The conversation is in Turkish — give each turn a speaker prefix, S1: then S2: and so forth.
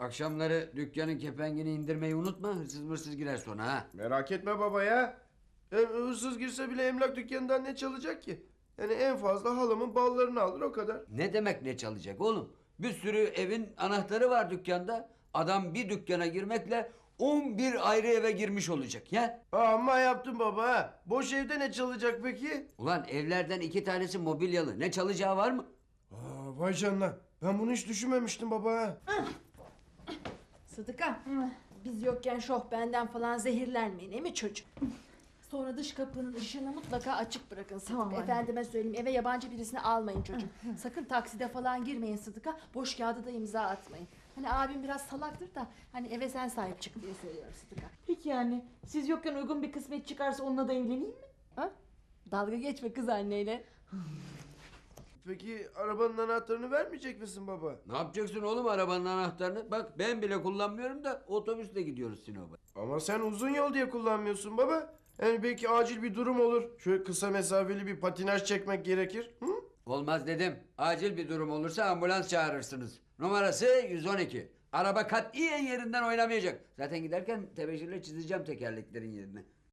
S1: Akşamları dükkanın kepengini indirmeyi unutma. Hırsız mırsız girer sonra ha.
S2: Merak etme baba ya. Hırsız girse bile emlak dükkanından ne çalacak ki? Yani en fazla halamın ballarını alır o kadar.
S1: Ne demek ne çalacak oğlum? Bir sürü evin anahtarı var dükkanda. Adam bir dükkana girmekle 11 ayrı eve girmiş olacak ya.
S2: Amma yaptın baba ha. Boş evde ne çalacak peki?
S1: Ulan evlerden 2 tanesi mobilyalı. Ne çalacağı var mı?
S2: Vay canına. Ben bunu hiç düşünmemiştim baba ha.
S3: Sıdıka, biz yokken şoh benden falan zehirlenmeyin, değil mi çocuk? Sonra dış kapının ışığını mutlaka açık bırakın Sıdıka.
S4: Tamam anne.
S3: Efendime söyleyeyim, eve yabancı birisini almayın çocuk. Sakın takside falan girmeyin Sıdıka. Boş kağıda da imza atmayın. Hani abim biraz salaktır da hani eve sen sahip çık diye söylüyorum Sıdıka.
S4: Peki yani siz yokken uygun bir kısmet çıkarsa onunla da evleneyim mi?
S3: Ha? Dalga geçme kız anneyle.
S2: Peki arabanın anahtarını vermeyecek misin baba?
S1: Ne yapacaksın oğlum arabanın anahtarını? Bak ben bile kullanmıyorum da otobüsle gidiyoruz Sinop'a.
S2: Ama sen uzun yol diye kullanmıyorsun baba. Yani belki acil bir durum olur. Şöyle kısa mesafeli bir patinaj çekmek gerekir. Hı?
S1: Olmaz dedim. Acil bir durum olursa ambulans çağırırsınız. Numarası 112. Araba katiyen yerinden oynamayacak. Zaten giderken tebeşirle çizeceğim tekerleklerin yerini.